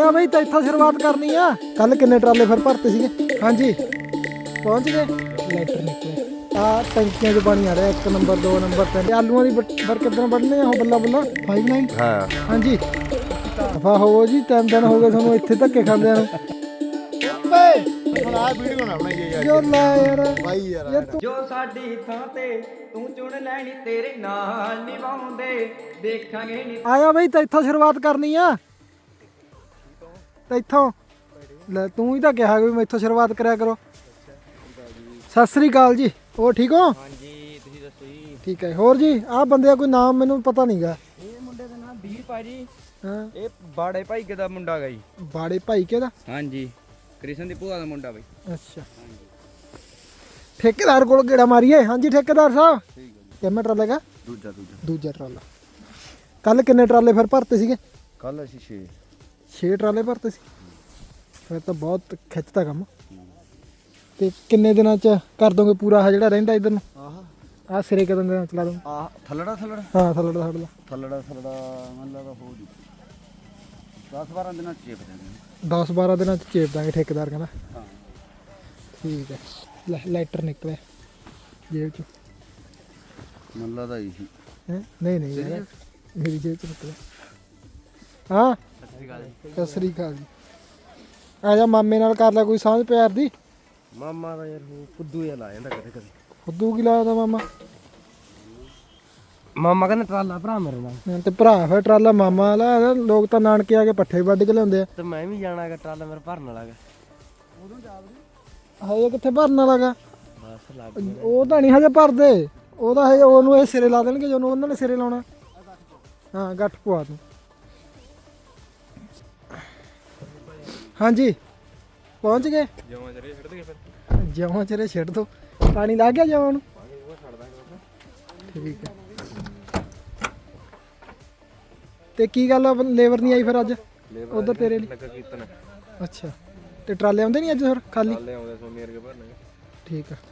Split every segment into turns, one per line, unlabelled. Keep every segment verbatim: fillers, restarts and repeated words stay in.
ਆਇਆ ਬਈ ਤਾਂ ਇੱਥੋਂ ਸ਼ੁਰੂਆਤ ਕਰਨੀ ਆ। ਕੱਲ ਕਿੰਨੇ ਟਰਾਲੇ ਫਿਰ ਭਰਤੇ ਸੀਗੇ? ਹਾਂਜੀ ਪਹੁੰਚ ਗਏ। ਲੈਟਰ ਨਿਕਲੇ ਆ ਟੈਂਕੀਆਂ 'ਚ ਪਾਣੀ ਆ ਰਿਹਾ। ਇੱਕ ਨੰਬਰ ਦੋ ਨੰਬਰ ਤਿੰਨ। ਆਲੂਆਂ ਦੀ ਬਰ ਕਿੱਦਾਂ ਵੱਢਣੇ ਆ ਉਹ ਬੱਲਾ ਬੱਲਾ ਫਾਈਵ ਨਾਈਨ।
ਹਾਂ
ਹਾਂਜੀ ਦਫਾ ਹੋਵੋ ਜੀ। ਤਿੰਨ ਦਿਨ ਹੋ ਗਏ ਤੁਹਾਨੂੰ ਇੱਥੇ ਧੱਕੇ ਖਾਂਦਿਆਂ ਨੂੰ।
ਹੁਣ ਆ ਵੀਡੀਓ ਨਾ ਬਣਾਈਏ ਯਾਰ
ਜੋ ਲੈ ਯਾਰ
ਬਾਈ ਯਾਰ
ਜੋ ਸਾਡੀ ਥਾਂ ਤੇ ਤੂੰ ਚੁਣ ਲੈਣੀ ਤੇਰੇ ਨਾਲ ਨਿਭਾਉਂਦੇ ਦੇਖਾਂਗੇ ਨੀ।
ਆਇਆ ਬਈ ਤਾਂ ਇੱਥੋਂ ਸ਼ੁਰੂਆਤ ਕਰਨੀ ਆ। ਤਾਂ ਇੱਥੋਂ ਲੈ ਤੂੰ ਹੀ ਤਾਂ ਕਿਹਾ ਵੀ ਮੈਂ ਇੱਥੋਂ ਸ਼ੁਰੂਆਤ ਕਰਿਆ ਕਰੋ। ਸਤਿ ਸ੍ਰੀ ਅਕਾਲ ਜੀ। ਹੋਰ ਠੀਕ ਹੋ?
ਹਾਂਜੀ ਤੁਸੀਂ ਦੱਸੋ ਜੀ।
ਠੀਕ ਹੈ। ਹੋਰ ਜੀ ਆਹ ਬੰਦੇ ਦਾ ਕੋਈ ਨਾਮ ਮੈਨੂੰ ਪਤਾ ਨਹੀਂਗਾ।
ਇਹ ਮੁੰਡੇ ਦਾ ਨਾਮ ਵੀਰ ਭਾਜੀ।
ਹਾਂ
ਇਹ ਬਾੜੇ ਭਾਈ ਦਾ ਮੁੰਡਾ ਗਾ ਜੀ।
ਬਾੜੇ ਭਾਈ ਕਿਹਦਾ?
ਹਾਂਜੀ ਕ੍ਰਿਸ਼ਨ ਦੀ ਭੂਆ ਦਾ ਮੁੰਡਾ ਬਈ।
ਅੱਛਾ ਠੇਕੇਦਾਰ ਕੋਲ ਗੇੜਾ ਮਾਰੀਏ। ਹਾਂਜੀ ਠੇਕੇਦਾਰ ਸਾਹਿਬ ਕਿੰਨਾ ਟਰਾਲਾ ਹੈਗਾ?
ਦੂਜਾ ਦੂਜਾ
ਦੂਜਾ ਟਰਾਲਾ। ਕੱਲ ਕਿੰਨੇ ਟਰਾਲੇ ਫਿਰ ਭਰਤੇ ਸੀਗੇ?
ਕੱਲ ਅਸੀਂ ਛੇ
ਛੇ ਟਰਾਲੇ ਭਰਤੇ ਸੀ। ਫਿਰ ਤਾਂ ਬਹੁਤ ਖਿੱਚਦਾ ਕੰਮ। ਤੇ ਕਿੰਨੇ ਦਿਨਾਂ ਚ ਕਰ ਦੋਗੇ ਪੂਰਾ ਆਹ ਜਿਹੜਾ ਰਹਿੰਦਾ ਇਧਰ ਨੂੰ?
ਆਹ
ਆਹ ਸਿਰੇ ਕਿੰਨੇ ਦਿਨਾਂ ਚ ਚਲਾ ਦੋਗੇ?
ਆਹ ਥੱਲੜਾ ਥੱਲੜਾ
ਹਾਂ ਥੱਲੜਾ ਥੱਲੜਾ
ਥੱਲੜਾ ਥੱਲੜਾ ਮੈਨੂੰ ਲੱਗਦਾ ਹੋ ਜੂ ਦਸ ਬਾਰਾਂ ਦਿਨਾਂ ਚ ਚੇਪ ਜਾਂਦੇ।
ਦਸ ਬਾਰਾਂ ਦਿਨਾਂ ਚ ਚੇਪ ਦਾਂਗੇ ਠੇਕੇਦਾਰ ਕਹਿੰਦਾ।
ਹਾਂ
ਠੀਕ ਹੈ। ਲੈ ਲੈਟਰ ਨਿਕਲਿਆ ਜੇਬ ਚ।
ਮੈਨੂੰ ਲੱਗਦਾ ਹੀ
ਹੈਂ? ਨਹੀਂ ਨਹੀਂ ਯਾਰ ਮੇਰੀ ਜੇਬ ਚ ਨਿਕਲਿਆ। ਹਾਂ ਸਤਿ ਸ੍ਰੀ ਅਕਾਲ ਜੀ। ਆ ਜਾ ਮਾਮੇ ਨਾਲ ਕਰ ਲੈ ਕੋਈ ਸਾਂਝ ਪਿਆਰ ਦੀ।
ਮਾਮਾ ਦਾ ਯਾਰ ਉਹ ਫੁੱਦੂ ਜਿਹਾ ਲਾ ਜਾਂਦਾ ਕਦੇ ਕਦੇ।
ਫੁੱਦੂ ਕੀ ਲਾਇਆ ਦਾ ਮਾਮਾ?
ਮਾਮਾ ਕਹਿੰਦਾ ਟਰਾਲਾ ਭਰਾ ਮੇਰੇ ਨਾਲ।
ਤੇ ਭਰਾ ਫਿਰ ਟਰਾਲਾ ਮਾਮਾ ਵਾਲਾ। ਲੋਕ ਤਾਂ ਨਾਨਕੇ ਆ ਕੇ ਪੱਠੇ ਵੱਢ ਕੇ ਲਿਆਉਂਦੇ ਆ।
ਤੇ ਮੈਂ ਵੀ ਜਾਣਾਗਾ ਟਰਾਲਾ ਮੇਰੇ ਭਰਨ ਵਾਲਾ ਗਾ।
ਹਜੇ ਕਿੱਥੇ ਭਰਨ ਵਾਲਾ ਗਾ?
ਬਸ ਲੱਗ
ਉਹ ਤਾਂ ਨਹੀਂ ਹਜੇ ਭਰਦੇ। ਉਹ ਤਾਂ ਹਜੇ ਉਹਨੂੰ ਇਹ ਸਿਰੇ ਲਾ ਦੇਣਗੇ ਜਦੋਂ ਉਹਨਾਂ ਨੇ ਸਿਰੇ ਲਾਉਣਾ। ਹਾਂ ਗੱਠ ਪਵਾ ਦੂੰ। ਹਾਂਜੀ ਪਹੁੰਚ ਗਏ।
ਜਮਾਂ ਜਰੇ ਛੱਡ ਦੇ ਫਿਰ।
ਜਮਾਂ ਚਰੇ ਛੱਡ ਦੋ। ਪਾਣੀ ਲੱਗ ਗਿਆ ਜਮਾਂ ਨੂੰ? ਠੀਕ ਹੈ। ਤੇ ਕੀ ਗੱਲ ਆ ਲੇਬਰ ਨਹੀਂ ਆਈ ਫਿਰ ਅੱਜ ਉਧਰ ਤੇਰੇ ਲਈ?
ਲੱਗਾ ਕੀਰਤਨ।
ਅੱਛਾ ਤੇ ਟਰਾਲੇ ਆਉਂਦੇ ਨਹੀਂ ਅੱਜ ਫਿਰ ਖਾਲੀ?
ਟਰਾਲੇ ਆਉਂਦੇ ਸੋਮੀ ਵਰਗੇ ਭਰਨੇ।
ਠੀਕ ਆ।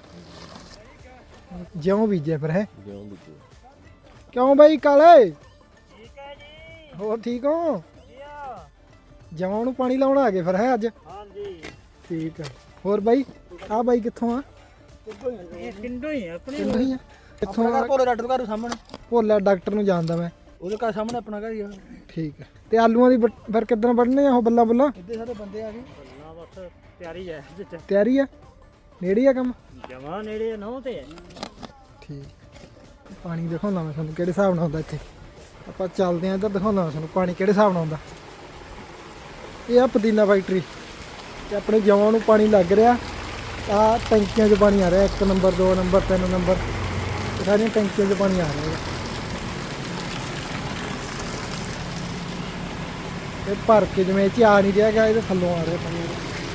ਜਿਉਂ ਬੀਜਿਆ ਫਿਰ ਹੈ?
ਜਿਉਂ ਬੁੱਝੂ
ਕਿਉਂ ਬਾਈ ਕਾਲੇ? ਠੀਕ ਹੈ ਜੀ। ਹੋਰ ਠੀਕ ਹੋ? ਜਮਾਂ ਨੂੰ ਪਾਣੀ ਲਾਉਣ ਆ ਗਏ ਫਿਰ ਹੈ ਅੱਜ? ਹਾਂਜੀ ਠੀਕ ਆ। ਹੋਰ ਬਾਈ ਆ ਬਾਈ ਕਿੱਥੋਂ ਆ?
ਇਹ ਪਿੰਡੋਂ ਹੀ ਆ ਆਪਣੇ।
ਪਿੰਡੋਂ ਹੀ ਆ। ਕਿੱਥੋਂ ਆ?
ਭੋਲੇ ਡਾਕਟਰ ਘਰ ਸਾਹਮਣੇ।
ਭੋਲਾ ਡਾਕਟਰ ਨੂੰ ਜਾਣਦਾ ਮੈਂ।
ਉਹਦੇ ਘਰ ਸਾਹਮਣੇ ਆਪਣਾ ਘਰ ਹੀ ਆ।
ਠੀਕ ਹੈ। ਤੇ ਆਲੂਆਂ ਦੀ ਬ- ਫਿਰ ਕਿੱਦਣ ਵੱਢਣੇ ਆ ਉਹ ਬੱਲਾ ਬੱਲਾ?
ਇੱਦੇ ਸਾਰੇ ਬੰਦੇ ਆ ਗਏ।
ਨਾ ਬਸ ਤਿਆਰੀ ਹੈ ਵਿੱਚ।
ਤਿਆਰੀ ਆ? ਨੇੜੇ ਆ ਕੰਮ?
ਜਮਾ ਨੇੜੇ ਨੌ ਤੇ ਹੈ।
ਠੀਕ। ਪਾਣੀ ਦਿਖਾਉਂਦਾ ਮੈਂ ਤੁਹਾਨੂੰ ਕਿਹੜੇ ਹਿਸਾਬ ਨਾਲ ਹੁੰਦਾ ਇੱਥੇ। ਆਪਾਂ ਚੱਲਦੇ ਆਂ ਇੱਧਰ ਦਿਖਾਉਂਦਾ ਮੈਂ ਤੁਹਾਨੂੰ ਪਾਣੀ ਕਿਹੜੇ ਹਿਸਾਬ ਨਾਲ ਹੁੰਦਾ। ਇਹ ਆ ਪੁਦੀਨਾ ਫੈਕਟਰੀ ਤੇ ਆਪਣੇ ਜਵਾਂ ਨੂੰ ਪਾਣੀ ਲੱਗ ਰਿਹਾ। ਆ ਟੈਂਕੀਆਂ 'ਚ ਪਾਣੀ ਆ ਰਿਹਾ। ਇੱਕ ਨੰਬਰ ਦੋ ਨੰਬਰ ਤਿੰਨ ਨੰਬਰ ਸਾਰੀਆਂ ਟੈਂਕੀਆਂ 'ਚ ਪਾਣੀ ਆ ਰਿਹਾ। ਇਹ ਭਰ ਕੇ ਜਿਵੇਂ ਇਹ 'ਚ ਆ ਨਹੀਂ ਰਿਹਾ ਗਾ ਇਹਦੇ ਥੱਲੋਂ ਆ ਰਿਹਾ ਪਾਣੀ।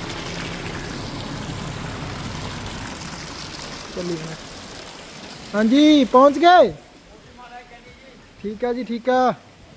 ਚੱਲੀ ਮੈਂ। ਹਾਂਜੀ ਪਹੁੰਚ ਗਏ। ਠੀਕ ਆ ਜੀ ਠੀਕ ਆ।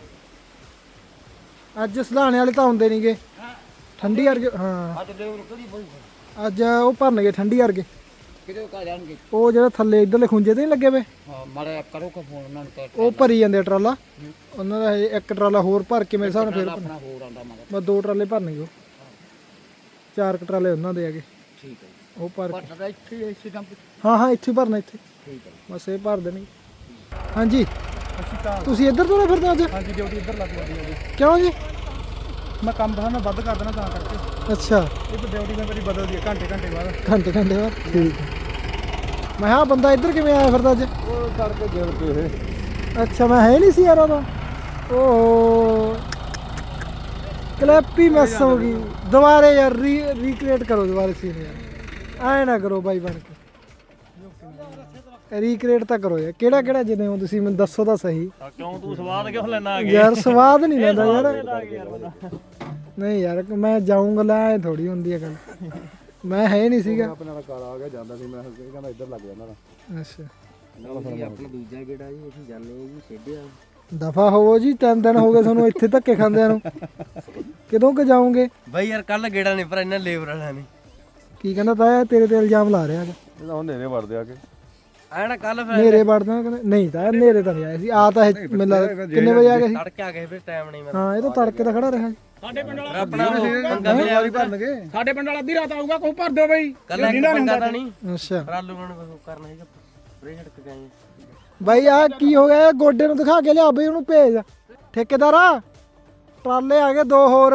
ਅੱਜ ਸਲਾਣੇ ਵਾਲੇ ਤਾਂ ਆਉਂਦੇ ਨਹੀਂਗੇ। ਠੰਡੀ ਵਰਗੇ ਹਾਂ
ਅੱਜ ਲੇਬਰ ਕਿਹੜੀ ਬਈ
ਅੱਜ ਉਹ ਭਰਨਗੇ ਠੰਡੀ ਵਰਗੇ।
ਕਿਤੇ ਕਾ ਜਾਣਗੇ।
ਉਹ ਜਿਹੜਾ ਥੱਲੇ ਇੱਧਰਲੇ ਖੁੰਝੇ ਤੇ ਨਹੀਂ ਲੱਗੇ ਵੇ
ਹਾਂ ਮਾੜਾ ਕਰੋ ਕਾ ਫੋਨ ਉਹਨਾਂ ਨੂੰ।
ਉਹ ਭਰੀ ਜਾਂਦੇ ਆ ਟਰਾਲਾ। ਉਹਨਾਂ ਦਾ ਹਜੇ ਇੱਕ ਟਰਾਲਾ ਹੋਰ ਭਰ ਕੇ ਮੇਰੇ ਹਿਸਾਬ ਨਾਲ ਫਿਰ
ਆਪਣਾ ਹੋਰ ਆਂਦਾ ਮਗਰ।
ਬਸ ਦੋ ਟਰਾਲੇ ਭਰਨਗੇ ਉਹ। ਚਾਰ ਕੁ ਟਰਾਲੇ ਉਹਨਾਂ ਦੇ ਹੈਗੇ।
ਠੀਕ ਹੈ
ਉਹ ਭਰ ਕੇ
ਪਰ ਇੱਥੇ ਇਸੇ ਕੰਮ
ਹਾਂ ਹਾਂ ਇੱਥੇ ਭਰਨਾ ਇੱਥੇ।
ਠੀਕ ਹੈ।
ਬਸ ਇਹ ਭਰ ਦੇਣਗੇ। ਹਾਂਜੀ ਤੁਸੀਂ ਇੱਧਰ ਤੋਂ ਨਾ ਫਿਰਦੇ ਅੱਜ?
ਹਾਂਜੀ ਡਿਊਟੀ ਇੱਧਰ ਲੱਗ ਜਾਂਦੀ ਹੈ ਜੀ।
ਕਿਉਂ ਜੀ?
ਮੈਂ ਕੰਮ ਬਣਾ ਮੈਂ ਵੱਧ ਕਰ ਦੇਣਾ ਤਾਂ ਕਰਕੇ।
ਅੱਛਾ
ਇਹ ਤਾਂ ਡਿਊਟੀ ਮੈਂ ਮੇਰੀ ਬਦਲਦੀ ਹੈ ਘੰਟੇ ਘੰਟੇ ਬਾਅਦ।
ਘੰਟੇ ਘੰਟੇ ਬਾਅਦ। ਠੀਕ ਹੈ। ਮੈਂ ਕਿਹਾ ਬੰਦਾ ਇੱਧਰ ਕਿਵੇਂ ਆਇਆ ਫਿਰਦਾ ਅੱਜ?
ਉਹ ਕਰਕੇ ਜੇਲ ਪੇ ਇਹ
ਅੱਛਾ ਮੈਂ ਹੈ ਨਹੀਂ ਸੀ ਯਾਰ ਉਹਦਾ। ਓਹ ਕਲੈਪ ਹੀ ਮਿਸ ਹੋ ਗਈ। ਦੁਬਾਰੇ ਯਾਰ ਰੀ ਰੀਕ੍ਰੀਏਟ ਕਰੋ ਦੁਬਾਰੇ ਸੀਨ ਯਾਰ। ਐਂ ਨਾ ਕਰੋ ਬਾਈ ਬਣ ਕੇ। ਰੀਕ੍ਰੀਏਟ ਤਾਂ ਕਰੋ ਯਾਰ। ਕਿਹੜਾ ਕਿਹੜਾ ਜਿੰਨੇ ਹੋ ਤੁਸੀਂ ਮੈਨੂੰ ਦੱਸੋ ਤਾਂ ਸਹੀ।
ਕਿਉਂ ਤੂੰ ਸਵਾਦ ਕਿਉਂ ਲੈਣਾ ਆ
ਯਾਰ ਸਵਾਦ ਨਹੀਂ ਲੈਂਦਾ ਯਾਰ। ਨਹੀਂ ਯਾਰ ਮੈਂ ਜਾਊਂਗਾ ਲੈ ਐ ਥੋੜੀ ਹੁੰਦੀ ਹੈ ਗੱਲ। ਮੈਂ ਹੈ ਨਹੀਂ ਸੀਗਾ।
ਆਪਣੇ ਨਾਲ ਕਾਲਾ ਆ ਗਿਆ ਜਾਂਦਾ ਸੀ ਮੈਂ ਕਹਿੰਦਾ ਇੱਧਰ ਲੱਗ ਜਾਂਦਾ ਨਾ।
ਅੱਛਾ
ਆਪਣਾ ਦੂਜਾ ਗੇੜਾ ਜੀ ਅਸੀਂ ਜਾਂਦੇ ਹਾਂ ਜੀ ਛੇੜਿਆ।
ਦਫਾ ਹੋਵੋ ਜੀ। ਤਿੰਨ ਦਿਨ ਹੋ ਗਏ ਤੁਹਾਨੂੰ ਇੱਥੇ ਧੱਕੇ ਖਾਂਦਿਆਂ ਨੂੰ। ਕਦੋਂ ਕਿ ਜਾਓਗੇ?
ਬਾਈ ਯਾਰ ਕੱਲ ਗੇੜਾ ਨਹੀਂ ਪਰ ਇਹਨਾਂ ਲੇਬਰ ਵਾਲਿਆਂ ਨੇ।
ਕੀ ਕਹਿੰਦਾ ਤਾਇਆ ਤੇਰੇ ਤੇ ਇਲਜ਼ਾਮ ਲਾ ਰਿਹਾ ਹੈਗਾ।
ਇਹ ਤਾਂ ਹੁਣ ਨੇਰੇ ਵੜਦੇ ਆ ਕੇ।
ਆਇਆ ਨਾ ਕੱਲ ਫਿਰ
ਨੇਰੇ ਵੜਦਾ ਕਹਿੰਦੇ ਨਹੀਂ ਤਾਂ ਨੇਰੇ ਤਾਂ ਨਹੀਂ ਆਏ ਸੀ। ਆ ਤਾਂ ਇਹ ਮੈਨੂੰ ਲੱਗਦਾ ਕਿੰਨੇ ਵਜੇ ਆ ਗਏ ਸੀ?
ਤੜਕੇ ਆ ਗਏ ਫਿਰ ਟਾਈਮ ਨਹੀਂ ਮੈਂ।
ਹਾਂ ਇਹ ਤਾਂ ਤੜਕੇ ਦਾ ਖੜਾ ਰਿਹਾ ਸੀ।
ਸਾਡੇ ਪਿੰਡ ਵਾਲਾ
ਆਪਣਾ ਉਹ ਪੰਗਾ ਮਿਲਿਆ
ਵਾਰੀ ਭਰਨਗੇ
ਸਾਡੇ ਪਿੰਡ ਵਾਲਾ ਅੱਧੀ ਰਾਤ ਆਊਗਾ ਕੋਈ ਭਰ ਦਿਓ ਬਈ
ਕੱਲਾ ਇੱਕ ਬੰਦਾ ਤਾਂ ਨਹੀਂ
ਅੱਛਾ
ਰਾਲੂ ਨੂੰ ਕਰਨਾ ਹੈਗਾ ਪਰੇ ਛੜਕ ਗਏ
ਬਾਈ ਆ ਕੀ ਹੋ ਗਿਆ ਇਹ ਗੋਡੇ ਨੂੰ ਦਿਖਾ ਕੇ ਲਿਆ ਬਈ ਉਹਨੂੰ ਭੇਜ ਠੇਕੇਦਾਰਾ ਟਰਾਲੇ ਆ ਗਏ ਦੋ ਹੋਰ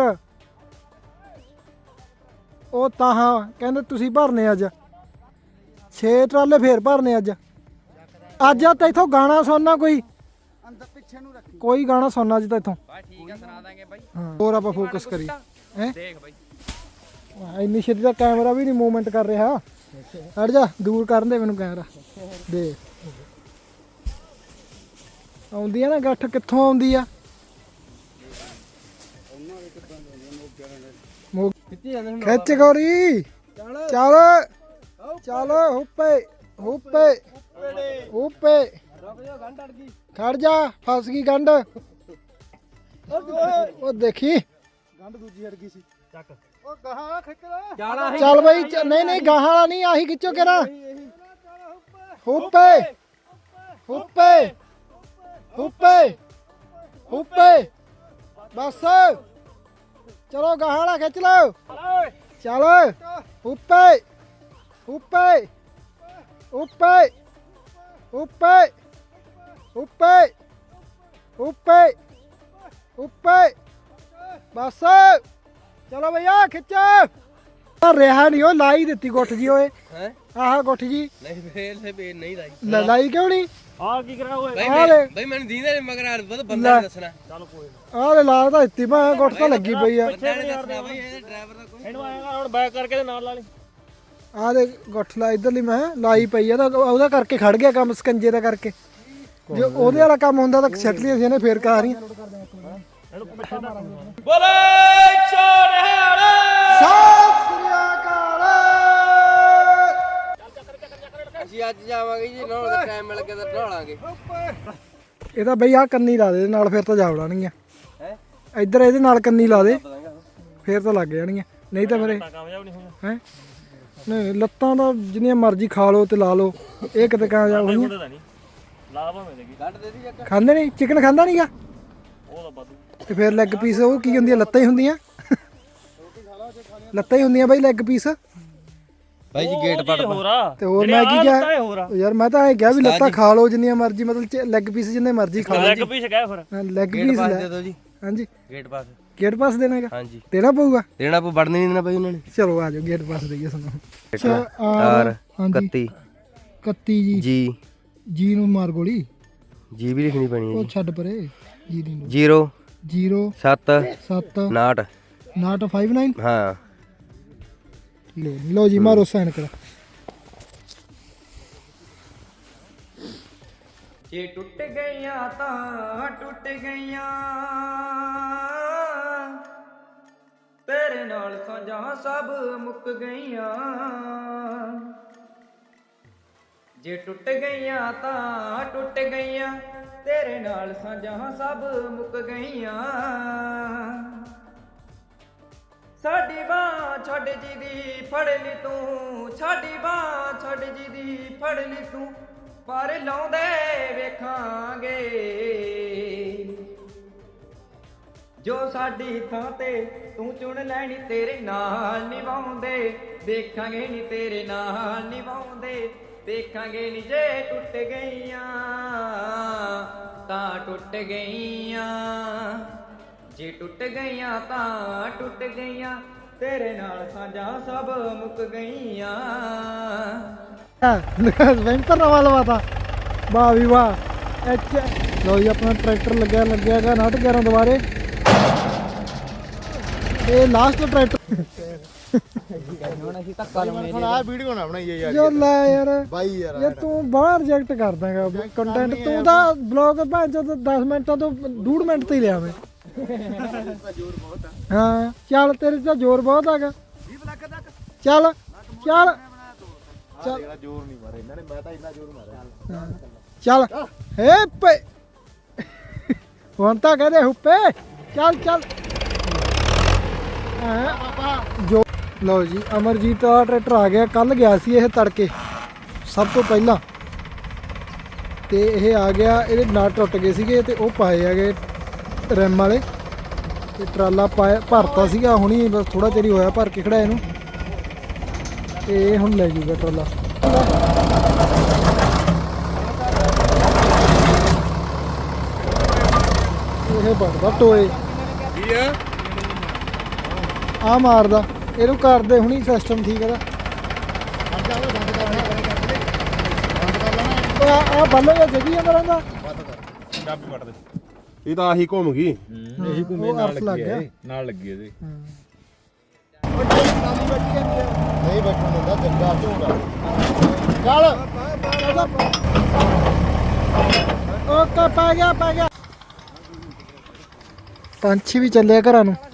ਉਹ ਤਾਂ ਹਾਂ ਕਹਿੰਦੇ ਤੁਸੀਂ ਭਰਨੇ ਅੱਜ ਛੇ ਟਰਾਲੇ ਫੇਰ ਭਰਨੇ ਅੱਜ ਅੱਜ ਆ ਤਾਂ ਇਥੋਂ ਗਾਣਾ ਸੁਣਨਾ ਕੋਈ
ਅੰਦਰ ਪਿੱਛੇ ਨੂੰ ਰੱਖੀ
ਕੋਈ ਗਾਣਾ ਸੁਣਨਾ ਅੱਜ ਤਾਂ ਇਥੋਂ
ਬਾ ਠੀਕ ਆ ਸੁਣਾ ਦਾਂਗੇ ਬਾਈ
ਹਾਂ ਹੋਰ ਆਪਾਂ ਫੋਕਸ ਕਰੀ ਹੈ
ਦੇਖ ਬਾਈ
ਇੰਨੀ ਛੇਤੀ ਦਾ ਕੈਮਰਾ ਵੀ ਨਹੀਂ ਮੂਵਮੈਂਟ ਕਰ ਰਿਹਾ ਹਟ ਜਾ ਦੂਰ ਕਰਨ ਦੇ ਮੈਨੂੰ ਕੈਮਰਾ ਦੇ ਆਉਂਦੀ ਆ ਨਾ ਗੱਠ ਕਿੱਥੋਂ ਆਉਂਦੀ ਆ ਮੋ- ਖਿੱਚ ਗੋਰੀ ਚੱਲ ਚੱਲ ਹੁੱਪੇ ਹੁੱਪੇ ਹੁੱਪੇ ਖੜ ਜਾ ਫਸ ਗਈ ਗੰਢ ਉਹ ਦੇਖੀ
ਗੰਢ ਦੂਜੀ ਹਟ ਗਈ ਸੀ ਚੱਕ ਉਹ ਗਾਹਾਂ ਖਿੱਚ
ਚੱਲ ਬਈ ਚ- ਨਹੀਂ ਨਹੀਂ ਗਾਹਾਂ ਵਾਲਾ ਨਹੀਂ ਆਹੀ ਖਿੱਚੋ ਕਿਹੜਾ ਹੁੱਪੇ ਹੁੱਪੇ ਹੁੱਪੇ ਹੁੱਪੇ ਬਸ ਚਲੋ ਗਾਹਾਂ ਵਾਲਾ ਖਿੱਚ ਲਓ ਚੱਲ ਹੁੱਪੇ ਹੁੱਪੇ ਹੁੱਪੇ ਹੁੱਪੇ ਹੁੱਪੇ ਹੁੱਪੇ ਹੁੱਪੇ ਬਸ ਚਲੋ ਭਈਆ ਖਿੱਚ ਰਿਹਾ ਨਹੀਂ ਉਹ ਲਾਈ ਦਿੱਤੀ ਗੁੱਠ ਜੀ ਓਏ
ਹੈ
ਆਹ ਗੁੱਠ ਜੀ
ਨਹੀਂ ਫੇਰ ਤੇ ਫੇਰ ਨਹੀਂ ਲਾਈ
ਲੈ ਲਾਈ ਕਿਉਂ ਨਹੀਂ
ਆ ਕੀ ਕਰਾ ਓਏ
ਬਈ
ਆ
ਮੈਂ-
ਲੈ।
ਬਈ ਮੈਨੂੰ ਦੀਂਦਾ ਨਹੀਂ ਮਗਰ ਆ ਬਹੁਤ ਬੰਦਾ ਨੀ ਦੱਸਣਾ
ਚੱਲ ਕੋਈ
ਆਹ ਲੈ ਲਾ ਤਾਂ ਦਿੱਤੀ ਮੈਂ ਗੁੱਠ ਤਾਂ ਲੱਗੀ ਪਈ ਆ
ਬੰਦਾ ਨਹੀਂ ਦੱਸਣਾ ਬਈ ਇਹਦੇ ਡਰਾਈਵਰ ਦਾ ਕੋਈ
ਇਹਨੂੰ ਆਏਗਾ ਹੁਣ ਬੈਕ ਕਰਕੇ ਤੇ ਨਾਲ ਲਾ ਲਈ
ਆਹ ਦੇ ਗੁੱਠ ਲਾ ਇਧਰਲੀ ਮੈਂ ਲਾਈ ਪਈ ਆ ਤਾਂ ਉਹਦਾ ਕਰਕੇ ਖੜ ਗਿਆ ਕੰਮ ਸਕੰਜੇ ਦਾ ਕਰਕੇ ਜੇ ਉਹਦੇ ਵਾਲਾ ਕੰਮ ਹੁੰਦਾ ਤਾਂ ਛੱਟ ਲਈ ਅਸੀਂ ਨੇ ਫੇਰ ਕਾ ਰਹੀਆਂ
ਇਹਨੂੰ ਪਿੱਛੇ ਦਾ
ਬੋਲੇ ਚੋੜਿਆੜੇ
ਸਤਿ ਸ੍ਰੀ ਅਕਾਲ
ਅਸੀਂ ਅੱਜ ਜਾਵਾਂਗੇ ਜੀ ਨਹਾਉਣ ਦਾ ਟਾਈਮ ਮਿਲ ਗਿਆ ਤਾਂ ਨਹਾਲਾਂਗੇ
ਇਹ ਤਾਂ ਬਈ ਆਹ ਕੰਨੀ ਲਾ ਦੇ ਇਹਦੇ ਨਾਲ ਫਿਰ ਤਾਂ ਜਾ ਵੜਾਣਗੀਆਂ
ਹੈ
ਇੱਧਰ ਇਹਦੇ ਨਾਲ ਕੰਨੀ ਲਾ ਦੇ
ਪਤਾਂਗਾ
ਫੇਰ ਤਾਂ ਲੱਗ ਜਾਣਗੀਆਂ ਨਹੀਂ ਤਾਂ ਮੇਰੇ
ਕਾਮਯਾਬ ਨਹੀਂ ਹੋਣਾ
ਹੈ ਨਹੀਂ ਲੱਤਾਂ ਤਾਂ ਜਿੰਨੀਆਂ ਮਰਜ਼ੀ ਖਾ ਲਓ ਤੇ ਲਾ ਲਓ ਇਹ ਕਿਤੇ ਕਾਮਯਾਬ ਹੋਈਆਂ
ਮੁੰਡੇ ਦਾ ਨਹੀਂ ਲਾ ਭਾਵੇਂ ਦੇਗੀ
ਗੱਡ ਦੇ ਦੀ ਜੱਕ
ਖਾਂਦੇ ਨਹੀਂ ਚਿਕਨ ਖਾਂਦਾ ਨਹੀਂਗਾ
ਉਹ ਤਾਂ ਬਾਦੂ
ਤੇ ਫਿਰ ਲੈਗ ਪੀਸ ਉਹ ਕੀ ਹੁੰਦੀਆਂ ਲੱਤਾਂ ਹੀ ਹੁੰਦੀਆਂ ਲੱਤਾਂ ਹੀ ਹੁੰਦੀਆਂ ਬਾਈ ਲੈਗ ਪੀਸ
ਬਾਈ ਜੀ ਗੇਟ ਪੜ
ਹੋਰ ਆ
ਤੇ ਹੋਰ ਮੈਂ ਕੀ ਕਿਹਾ
ਇਹ ਹੋਰ ਆ
ਯਾਰ ਮੈਂ ਤਾਂ ਇਹ ਕਿਹਾ ਵੀ ਲੱਤਾਂ ਖਾ ਲਓ ਜਿੰਨੀਆਂ ਮਰਜ਼ੀ ਮਤਲਬ ਲੈਗ ਪੀਸ ਜਿੰਨੇ ਮਰਜ਼ੀ ਖਾ ਲਓ
ਲੈਗ ਪੀਸ ਗਿਆ ਫਿਰ
ਲੈਗ
ਗੇਟ
ਪੀਸ
ਪਾਸ
ਲੈ
ਦੇ ਦਿਓ ਜੀ
ਹਾਂਜੀ
ਗੇਟ ਪਾਸ
ਗੇਟ ਪਾਸ ਦੇਣਾ ਹੈਗਾ
ਹਾਂਜੀ
ਦੇਣਾ ਪਊਗਾ
ਦੇਣਾ ਪਊ ਵੜਨ ਨਹੀਂ ਦੇਣਾ ਬਾਈ ਉਹਨਾਂ ਨੇ
ਚਲੋ ਆ ਜਾਓ ਗੇਟ ਪਾਸ ਦੇਈਏ ਸਾਨੂੰ
ਆਰ
ਹਾਂਜੀ
ਇਕੱਤੀ
ਇਕੱਤੀ ਜੀ
ਜੀ
ਜੀ ਨੂੰ ਮਾਰ ਗੋਲੀ
ਜੀ ਵੀ ਲਿਖਣੀ ਪੈਣੀ ਹੈ
ਉਹ ਛੱਡ ਪਰੇ ਜੀ ਦੀ ਨੂੰ
ਜ਼ੀਰੋ
ਜ਼ੀਰੋ
ਸੱਤ
ਸੱਤ
ਨਾਟ
ਨਾਟ ਫਾਈਵ ਨਾਈਨ
ਹਾਂ
ਲੋ ਲੋ ਜੀ ਮਾਰੋ ਸਾਈਨ ਕਰੋ
ਜੇ ਟੁੱਟ ਗਈਆਂ ਤਾਂ ਟੁੱਟ ਗਈਆਂ ਤੇਰੇ ਨਾਲ ਸਾਂਝਾਂ ਸਭ ਮੁੱਕ ਗਈਆਂ ਜੇ ਟੁੱਟ ਗਈਆਂ ਤਾਂ ਟੁੱਟ ਗਈਆਂ ਤੇਰੇ ਨਾਲ ਸਾਂਝਾਂ ਸਭ ਮੁੱਕ ਗਈਆਂ ਸਾਡੀ ਬਾਂਹ ਛੱਡ ਜੀ ਦੀ ਫੜ ਲਈ ਤੂੰ ਸਾਡੀ ਬਾਂਹ ਛੱਡ ਜੀ ਦੀ ਫੜ ਲਈ ਤੂੰ ਪਰ ਲਾਉਂਦੇ ਵੇਖਾਂਗੇ ਜੋ ਸਾਡੀ ਥਾਂ ਤੇ ਤੂੰ ਚੁਣ ਲੈਣੀ ਤੇਰੇ ਨਾਲ ਨਿਭਾਉਂਦੇ ਦੇਖਾਂਗੇ ਨੀ ਤੇਰੇ ਨਾਲ ਨਿਭਾਉਂਦੇ ਦੇਖਾਂਗੇ ਨੀ ਜੇ ਟੁੱਟ ਗਈਆਂ ਤਾਂ ਟੁੱਟ ਗਈਆਂ ਜੇ ਟੁੱਟ ਗਈਆਂ ਤਾਂ ਟੁੱਟ ਗਈਆਂ ਤੇਰੇ ਨਾਲ ਸਾਂਝਾਂ ਸਭ ਮੁੱਕ ਗਈਆਂ
ਵੈਂਪਰ ਨਵਾਂ ਲਵਾਤਾ ਵਾਹ ਵੀ ਵਾਹ ਐਚ ਲੋ ਜੀ ਆਪਣਾ ਟਰੈਕਟਰ ਲੱਗਿਆ ਲੱਗਿਆਗਾ ਨਾਟ ਗਿਆਰਾਂ ਦੁਬਾਰੇ ਇਹ ਲਾਸਟ ਟਰੈਕਟਰ
ਹੁਣ ਆ ਵੀਡੀਓ ਨਾ ਬਣਾਈਏ ਯਾਰ
ਜੋ ਲੈ ਯਾਰ
ਬਾਈ ਯਾਰ
ਇਹ ਤੂੰ ਬਾਹਰ ਰਿਜੈਕਟ ਕਰ ਦਾਂਗਾ ਕੰਟੈਂਟ ਤੂੰ ਤਾਂ ਬਲੌਗ ਭਾਂ ਚੋ ਦਸ ਮਿੰਟਾਂ ਤੋਂ ਡੂਢ ਮਿੰਟ ਤੇ ਹੀ ਲਿਆ ਮੈਂ ਹਾਂ ਚੱਲ ਤੇਰੇ ਤਾਂ ਜ਼ੋਰ ਬਹੁਤ ਹੈਗਾ ਚੱਲ ਚੱਲ ਚੱਲ
ਜ਼ੋਰ ਨਹੀਂ ਮਾਰੇ ਇਹਨਾਂ ਨੇ ਮੈਂ ਤਾਂ ਇੰਨਾ ਜ਼ੋਰ ਮਾਰਿਆ
ਚੱਲ ਏ ਪੇ ਹੁਣ ਤਾਂ ਕਹਦੇ ਹੁੱਪੇ ਚੱਲ ਚੱਲ ਹਾਂ ਜੋ ਲਓ ਜੀ ਅਮਰਜੀਤ ਦਾ ਟਰੈਕਟਰ ਆ ਗਿਆ ਕੱਲ ਗਿਆ ਸੀ ਇਹ ਤੜਕੇ ਸਭ ਤੋਂ ਪਹਿਲਾਂ ਤੇ ਇਹ ਆ ਗਿਆ ਇਹਦੇ ਨਾਟ ਟੁੱਟ ਗਏ ਸੀਗੇ ਤੇ ਉਹ ਪਾਏ ਹੈਗੇ ਰੈਮ ਵਾਲੇ ਤੇ ਟਰਾਲਾ ਪਾਇਆ ਭਰਤਾ ਸੀਗਾ ਹੁਣੀ ਬਸ ਥੋੜਾ ਚਿਰ ਹੀ ਹੋਇਆ ਭਰ ਕੇ ਖੜਾ ਇਹਨੂੰ ਤੇ ਇਹ ਹੁਣ ਲੈ ਜੂਗਾ ਟਰਾਲਾ ਇਹ ਵੱਢਦਾ ਟੋਏ
ਕੀ ਆ
ਆ ਮਾਰਦਾ ਇਹਨੂੰ ਕਰਦੇ ਹੁਣੀ ਸਿਸਟਮ ਠੀਕ ਇਹਦਾ ਆ ਆ ਬੰਨੋ ਜਾਂ ਜਗੀ ਜਾਂਦਾ ਰਹਿੰਦਾ
ਇਹ ਤਾਂ ਆਹੀ ਘੁੰਮ ਗਈ
ਇਹੀ ਘੁੰਮੇ ਨਾਲ ਲੱਗ ਗਿਆ
ਨਾਲ ਲੱਗੀ ਇਹਦੇ
ਨਹੀਂ ਬੈਠਣ ਦਿੰਦਾ ਜੱਗਾ ਝੋੜਾ ਚੱਲ
ਓਕੇ ਪੈ ਗਿਆ ਪੈ ਗਿਆ ਪੰਛੀ ਵੀ ਚੱਲਿਆ ਘਰਾਂ ਨੂੰ